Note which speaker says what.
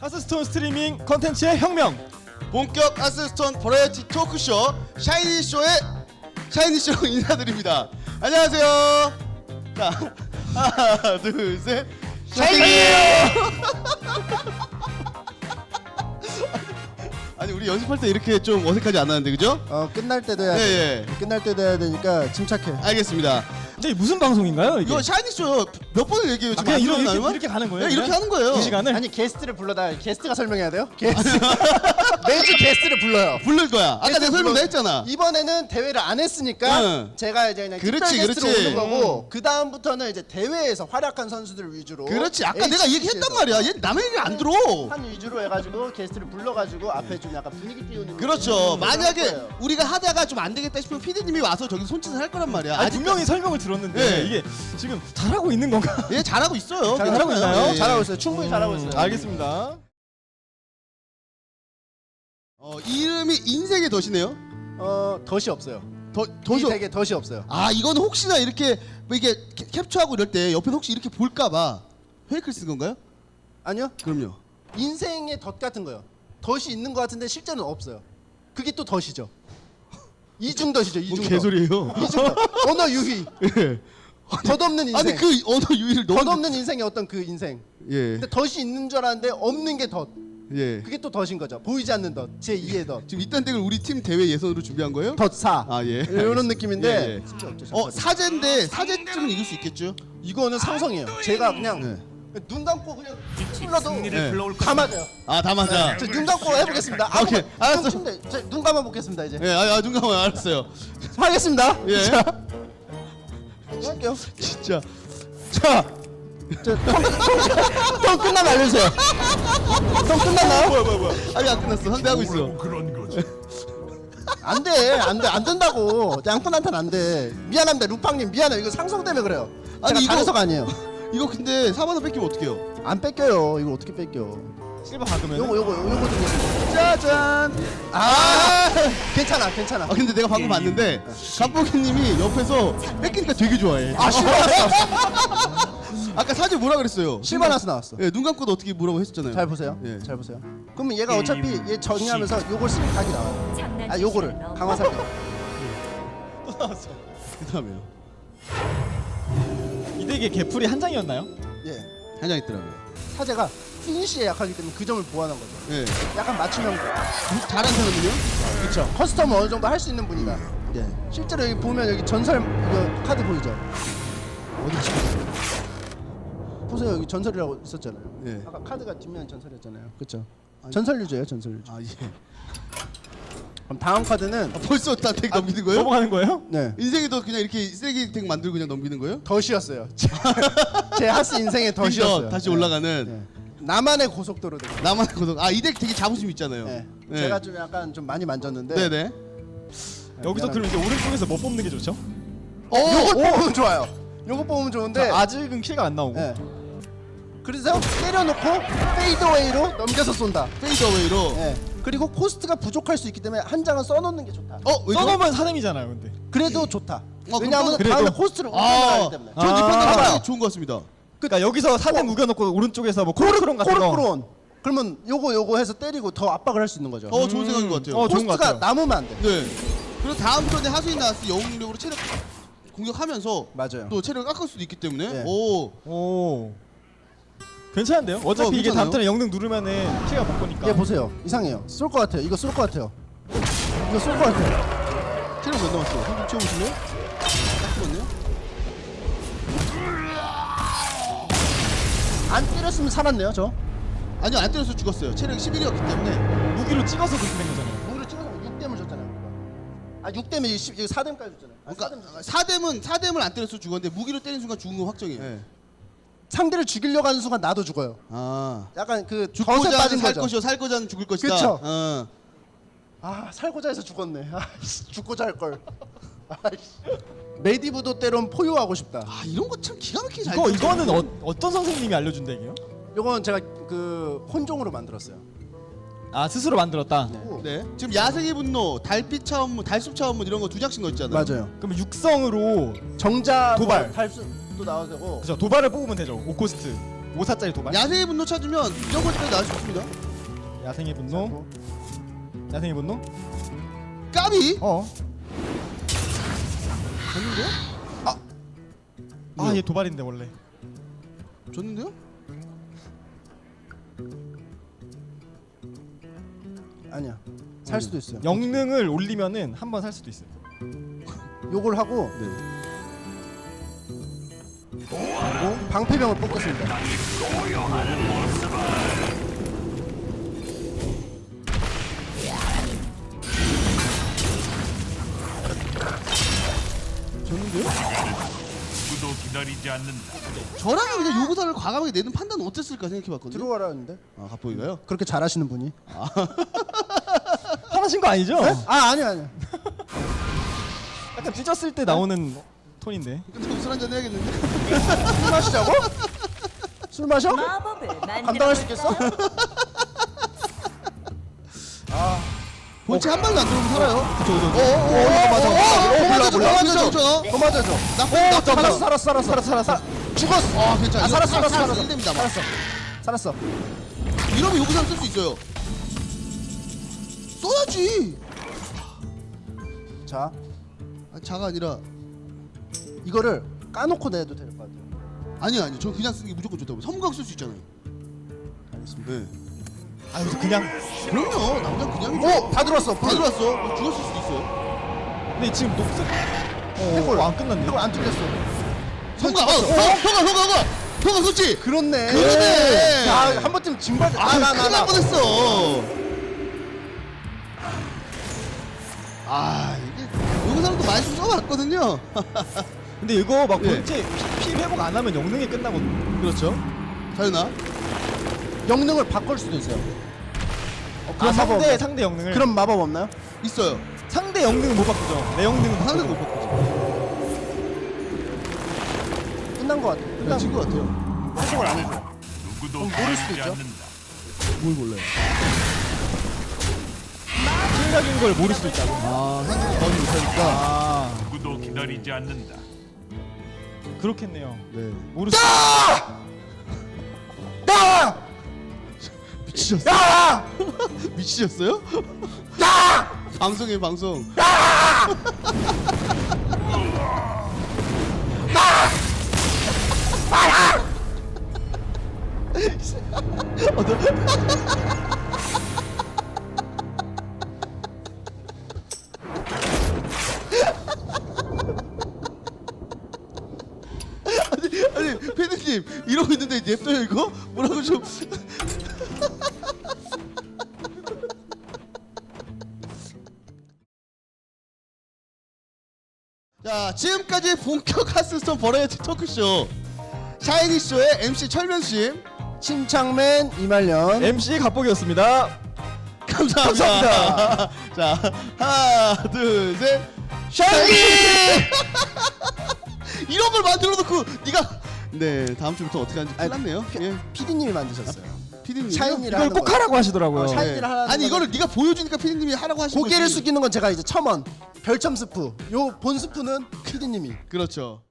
Speaker 1: 하스스톤 스트리밍 컨텐츠의 혁명.
Speaker 2: 본격 하스스톤 버라이어티 토크쇼 샤이니쇼의 샤이니쇼 인사드립니다. 안녕하세요. 자, 하나 둘 셋 샤이니예요. 아니 우리 연습할 때 이렇게 좀 어색하지 않았는데 그죠?
Speaker 3: 끝날 때도 해야 돼.
Speaker 2: 예.
Speaker 3: 끝날 때도 해야 되니까 침착해.
Speaker 2: 알겠습니다.
Speaker 1: 근데 무슨 방송인가요 이게?
Speaker 2: 이거 샤이니쇼 몇 번을 얘기해요 지금?
Speaker 1: 그냥
Speaker 2: 안 들어나요?
Speaker 1: 이렇게 가는 거예요?
Speaker 2: 네, 이렇게
Speaker 1: 그냥?
Speaker 2: 하는 거예요.
Speaker 1: 이 시간을?
Speaker 3: 아니 게스트를 불러다 게스트가 설명해야 돼요? 게스트 매주 게스트를 불러요.
Speaker 2: 부를 거야. 아까
Speaker 3: 게스트
Speaker 2: 내가 설명 다
Speaker 3: 불러-
Speaker 2: 했잖아.
Speaker 3: 이번에는 대회를 안 했으니까
Speaker 2: 응.
Speaker 3: 제가 이제 그냥
Speaker 2: 그렇지,
Speaker 3: 특별 게스트로
Speaker 2: 그렇지.
Speaker 3: 오는 거고 그 다음부터는 이제 대회에서 활약한 선수들 위주로.
Speaker 2: 그렇지. 아까 내가
Speaker 3: HCC
Speaker 2: 얘기했단
Speaker 3: 에서
Speaker 2: 말이야. 얘 남의 얘기 안 들어.
Speaker 3: 한 위주로 해가지고 게스트를 불러가지고 앞에 좀 약간 분위기 띄우는.
Speaker 2: 그렇죠.
Speaker 3: 느낌으로 할
Speaker 2: 만약에
Speaker 3: 거예요.
Speaker 2: 우리가 하다가 좀 안 되겠다 싶으면 PD님이 와서 저기 손짓을 할 거란 말이야.
Speaker 1: 아니, 분명히 설명을 들었는데
Speaker 2: 네.
Speaker 1: 이게 지금 잘하고 있는 건가?
Speaker 2: 얘 잘하고 있어요.
Speaker 1: 잘하고
Speaker 2: 괜찮아요.
Speaker 1: 있나요?
Speaker 2: 예, 예.
Speaker 3: 잘하고 있어요. 충분히 잘하고 있어요.
Speaker 1: 알겠습니다.
Speaker 2: 이름이 인생의 덫이네요.
Speaker 3: 덫이 없어요.
Speaker 2: 덫이
Speaker 3: 되게 덫이 없어요.
Speaker 2: 아 이건 혹시나 이렇게 뭐 이게 캡처하고 이럴 때 옆에 혹시 이렇게 볼까봐 페이크를 쓴 건가요?
Speaker 3: 아니요.
Speaker 2: 그럼요.
Speaker 3: 인생의 덫 같은 거요. 덫이 있는 것 같은데 실제는 없어요. 그게 또 덫이죠. 이중덫이죠.
Speaker 2: 뭔
Speaker 3: 이중덫.
Speaker 2: 개소리예요.
Speaker 3: 이중덫. 언어 유희.
Speaker 2: 예.
Speaker 3: 덧없는 인생.
Speaker 2: 아니 그 언어 유희를 너무
Speaker 3: 덧없는 인생의 어떤 그 인생.
Speaker 2: 예.
Speaker 3: 근데 덫이 있는 줄 알았는데 없는 게 덫.
Speaker 2: 예.
Speaker 3: 그게 또 덫인 거죠. 보이지 않는 덫. 제 2의 덫.
Speaker 2: 지금 이딴 덱을 우리 팀 대회 예선으로 준비한 거예요?
Speaker 3: 덫4.
Speaker 2: 아 예.
Speaker 3: 이런 느낌인데.
Speaker 2: 예, 예. 사제인데 사제쯤은 이길 수 있겠죠?
Speaker 3: 이거는 상성이에요. 제가 그냥
Speaker 2: 네.
Speaker 3: 눈 감고 그냥 불러도
Speaker 2: 네.
Speaker 3: 다 맞아요.
Speaker 2: 아 다 맞아.
Speaker 3: 저 눈 감고 해보겠습니다.
Speaker 2: 오케이, 알았어.
Speaker 3: 눈 감아 보겠습니다 이제.
Speaker 2: 예. 눈 감아요. 알았어요.
Speaker 3: 하겠습니다.
Speaker 2: 예.
Speaker 3: 자, 할게요.
Speaker 2: 진짜. 자.
Speaker 3: 형 끝나면 알려주세요. 형 끝났나요?
Speaker 2: 뭐야. 아니 안 끝났어. 상대하고 있어.
Speaker 4: 그런 거지.
Speaker 3: 안 된다고. 양푼한테는 안 돼. 미안합니다, 루팡님 미안해요. 이거 상성 때문에 그래요.
Speaker 2: 아니,
Speaker 3: 제가
Speaker 2: 이거-
Speaker 3: 잘해서가 아니에요.
Speaker 2: 이거 근데 4만 원 뺏기면 어떡해요?
Speaker 3: 안 뺏겨요. 이걸 어떻게 뺏겨?
Speaker 1: 실버 박으면.
Speaker 3: 요거 좀.
Speaker 2: 짜잔.
Speaker 3: 괜찮아.
Speaker 2: 아 근데 내가 방금 봤는데 갑보기님이 옆에서 뺏기니까 되게 좋아해.
Speaker 3: 실바나스.
Speaker 2: 아까 사제 뭐라 그랬어요?
Speaker 3: 실바나스 나왔어.
Speaker 2: 예, 눈 감고도 어떻게 뭐라고 했었잖아요.
Speaker 3: 잘 보세요.
Speaker 2: 예.
Speaker 3: 잘 보세요. 그러면 얘가 어차피 얘 정리하면서 요걸 쓰면 각이 나와요. 아 요거를 강화살기.
Speaker 1: 또 나왔어.
Speaker 2: 그다음에요.
Speaker 1: 이 덱에 개풀이 한 장이었나요?
Speaker 3: 예.
Speaker 2: 한 장 있더라고요.
Speaker 3: 사제가 피니시에 약하기 때문에 그 점을 보완한 거죠.
Speaker 2: 예.
Speaker 3: 약간 맞춤형.
Speaker 2: 잘한 사람은요?
Speaker 3: 그렇죠. 커스텀을 어느 정도 할 수 있는 분이다.
Speaker 2: 예.
Speaker 3: 실제로 여기 보면 여기 전설 이거 카드 보이죠?
Speaker 2: 어디 치고?
Speaker 3: 보세요 여기 전설이라고 있었잖아요.
Speaker 2: 예.
Speaker 3: 아까 카드가 뒷면 전설이었잖아요. 그렇죠. 전설 유저예요, 전설 유저.
Speaker 2: 아 예.
Speaker 3: 그럼 다음 카드는
Speaker 2: 벌써 딱 넘기는 거예요?
Speaker 1: 넘어가는 거예요?
Speaker 3: 네
Speaker 2: 인생에도 그냥 이렇게 쓰레기 덱 만들고 그냥 넘기는 거예요?
Speaker 3: 덫이었어요. 제 하스 인생의 덫이었어요.
Speaker 2: 다시
Speaker 3: 네.
Speaker 2: 올라가는.
Speaker 3: 네. 나만의 고속도로 덱.
Speaker 2: 나만 고속. 이 덱 되게 자부심 있잖아요.
Speaker 3: 네.
Speaker 2: 네.
Speaker 3: 제가 좀 약간 좀 많이 만졌는데.
Speaker 2: 네네.
Speaker 1: 여기서 그럼 이제 오른쪽에서 뭐 뽑는 게 좋죠?
Speaker 3: 요거 뽑으면 좋아요. 요거 뽑으면 좋은데.
Speaker 1: 아직은 킬가 안 나오고.
Speaker 3: 네. 그래서 때려놓고 페이드웨이로 넘겨서 쏜다.
Speaker 2: 페이드어웨이로.
Speaker 3: 네. 그리고 코스트가 부족할 수 있기 때문에 한 장은 써놓는 게 좋다.
Speaker 2: 왜죠?
Speaker 1: 써놓으면 사뎀이잖아요 근데.
Speaker 3: 그래도 좋다.
Speaker 2: 그럼
Speaker 3: 왜냐하면
Speaker 1: 그래도-
Speaker 3: 다음에 코스트를 올려나가기 때문에.
Speaker 2: 전이 판단
Speaker 1: 아.
Speaker 2: 상당히 좋은 것 같습니다.
Speaker 1: 그러니까 여기서 사뎀 우겨놓고 오른쪽에서 뭐 코르크론 같은 거.
Speaker 3: 코르크론. 그러면 요거 해서 때리고 더 압박을 할 수 있는 거죠.
Speaker 2: 좋은 생각인 것 같아요.
Speaker 1: 좋은 것
Speaker 3: 코스트가
Speaker 1: 같아요.
Speaker 3: 남으면 안 돼.
Speaker 2: 네. 그리고 다음 턴에 하수인 나왔을 때 영웅력으로 체력 공격하면서
Speaker 3: 맞아요.
Speaker 2: 또 체력을 깎을 수도 있기 때문에
Speaker 3: 네.
Speaker 1: 오. 괜찮은데요? 어차피 이게
Speaker 2: 괜찮아요.
Speaker 1: 다음 턴에 영능 누르면은 피가 못 보니까.
Speaker 3: 얘 보세요. 이상해요. 쏠 것 같아요. 이거 쏠 것 같아요. 이거 쏠 것 같아요.
Speaker 2: 체력 몇 남았어요? 한좀 채워보실래요? 딱 죽었네요.
Speaker 3: 안 때렸으면 살았네요, 저.
Speaker 2: 아니요 안 때려서 죽었어요. 체력이 11이었기 때문에.
Speaker 1: 무기로 찍어서 그렇게 된 거잖아요.
Speaker 3: 무기로 찍어서 6댐을 줬잖아요. 우리가. 6댐에 4댐까지 줬잖아요.
Speaker 2: 그러니까 4댐을 안 때려서 죽었는데 무기로 때린 순간 죽은 건 확정이에요. 네.
Speaker 3: 상대를 죽이려고 하는 순간 나도 죽어요.
Speaker 2: 아.
Speaker 3: 약간 그 덫에
Speaker 2: 죽고자
Speaker 3: 빠진
Speaker 2: 살
Speaker 3: 거죠.
Speaker 2: 것이요 살고자 죽을 것이다.
Speaker 3: 그쵸.
Speaker 2: 어.
Speaker 3: 살고자 해서 죽었네. 죽고자 할 걸. 메디브도 때론 포효하고 싶다.
Speaker 2: 이런 거 참 기가 막히게 잘.
Speaker 1: 이거는 어떤 선생님이 알려준 덱이에요?
Speaker 3: 요건 제가 그 혼종으로 만들었어요.
Speaker 1: 아 스스로 만들었다.
Speaker 2: 네. 지금 야생의 분노, 달빛 차원문, 달숲 차원문 이런 거 두 장씩 넣었잖아요.
Speaker 3: 맞아요.
Speaker 1: 그럼 육성으로
Speaker 3: 정자
Speaker 1: 도발.
Speaker 3: 탈수도 나와도 되고.
Speaker 1: 그죠 도발을 뽑으면 되죠. 5코스트. 5사짜리 도발.
Speaker 2: 야생의 분노 찾으면 이런 것까지 나올 수 있습니다.
Speaker 1: 야생의 분노. 야생의 분노.
Speaker 2: 까비. 줬는데요?
Speaker 1: 아, 얘 도발인데 원래.
Speaker 2: 줬는데요?
Speaker 3: 아니야. 살 수도 있어요.
Speaker 1: 영능을 올리면은 한 번 살 수도 있어요.
Speaker 3: 요걸 하고
Speaker 2: 네.
Speaker 3: 그리고 방패병을 뽑겠습니다.
Speaker 2: 줬는데요?
Speaker 4: 누구도 기다리지 않는다.
Speaker 2: 저라면 그냥 요구사를 과감하게 내는 판단은 어땠을까 생각해봤거든요.
Speaker 3: 들어와라는데
Speaker 2: 아 갑보기가요?
Speaker 3: 그렇게 잘하시는 분이?
Speaker 1: 화나신 거 아니죠?
Speaker 3: 아니.
Speaker 1: 약간 찢었을 때 나오는 톤인데.
Speaker 2: 근데 술 한잔 해야겠는데?
Speaker 3: 술 마시자고? 술 마셔?
Speaker 5: 마법을
Speaker 3: 감당할 수 있겠어?
Speaker 2: 본체 한 발도 안 들어오면 살아요.
Speaker 1: 그쵸.
Speaker 2: 맞아.
Speaker 3: 몰라.
Speaker 2: 더
Speaker 3: 더 맞아줘.
Speaker 2: 나쁜
Speaker 3: 살았어. 죽었어.
Speaker 2: 아 괜찮아.
Speaker 3: 살았어.
Speaker 2: 1됩니다.
Speaker 3: 살았어.
Speaker 2: 이러면 요구사를 쓸 수 있어요. 써야지.
Speaker 3: 자,
Speaker 2: 자가 아니라
Speaker 3: 이거를 까놓고 내도 될 것 같아요.
Speaker 2: 아니요. 저 그냥 쓰는 게 무조건 좋다고. 섬각 쓸 수 있잖아요.
Speaker 3: 알겠습니다.
Speaker 2: 네.
Speaker 1: 아, 여기서 그냥.
Speaker 2: 그럼요. 남자 그냥이죠.
Speaker 3: 오, 다 들어왔어.
Speaker 2: 다 들어왔어. 죽었을 수도 있어요.
Speaker 1: 근데 지금 녹색.
Speaker 3: 해골.
Speaker 1: 안 끝났네.
Speaker 3: 이걸 안 뚫렸어.
Speaker 2: 섬각. 섬각 썼지.
Speaker 3: 그렇네.
Speaker 2: 그러네.
Speaker 3: 야, 한 번쯤 징발.
Speaker 2: 큰일 날 뻔했어. 이게 요구사람도 많이 좀 써봤거든요.
Speaker 1: 근데 이거 막
Speaker 2: 예.
Speaker 1: 본체 피 회복 안 하면 영능이 끝나거든.
Speaker 2: 그렇죠. 자유나.
Speaker 3: 영능을 바꿀 수도 있어요.
Speaker 1: 아,
Speaker 3: 마법 없나요?
Speaker 1: 상대 영능을.
Speaker 3: 그럼 마법 없나요?
Speaker 2: 있어요.
Speaker 1: 상대 영능은 못 바꾸죠. 내 영능은
Speaker 2: 상대도 못
Speaker 1: 바꾸죠.
Speaker 2: 바꾸죠.
Speaker 3: 끝난 것 같아. 끝난
Speaker 2: 친구 같아요.
Speaker 3: 해석을 안 해줘.
Speaker 4: 누구도
Speaker 3: 모를 수도
Speaker 4: 기다리지
Speaker 3: 있죠.
Speaker 4: 않는다.
Speaker 2: 뭘 몰라요?
Speaker 1: 실력인 걸 모를 수도 있다고.
Speaker 2: 상대가 더 못하니까.
Speaker 1: 아,
Speaker 4: 누구도 기다리지 않는다.
Speaker 1: 그렇겠네요.
Speaker 2: 네.
Speaker 1: 모를 수.
Speaker 2: 미치셨어요? 미치셨어요? 방송이에요 방송. 아니 패드님 이러고 있는데 냅둬요 이거? 뭐라고 좀. 자 지금까지 본격 하스스톤 버라이어티 토크쇼 샤이니쇼의 MC 철면씨
Speaker 3: 침착맨 이말년.
Speaker 1: MC 갑복이었습니다.
Speaker 2: 감사합니다. 자 하나 둘셋 샤이니 이런 걸 만들어 놓고 네가 네 다음 주부터 어떻게 하는지 큰일 났네요. 예.
Speaker 3: PD님이 만드셨어요.
Speaker 2: 피디님
Speaker 3: 샤이니를
Speaker 1: 이걸
Speaker 3: 하는
Speaker 1: 꼭
Speaker 3: 거예요.
Speaker 1: 하라고 하시더라고요.
Speaker 3: 샤이니를 하라는
Speaker 2: 아니
Speaker 3: 거는-
Speaker 2: 이거를 네가 보여주니까 피디님이 하라고 하신
Speaker 3: 고개를
Speaker 2: 거지.
Speaker 3: 숙이는 건 제가 이제 첨언. 별점 스프. 요 본 스프는 PD님이.
Speaker 2: 그렇죠.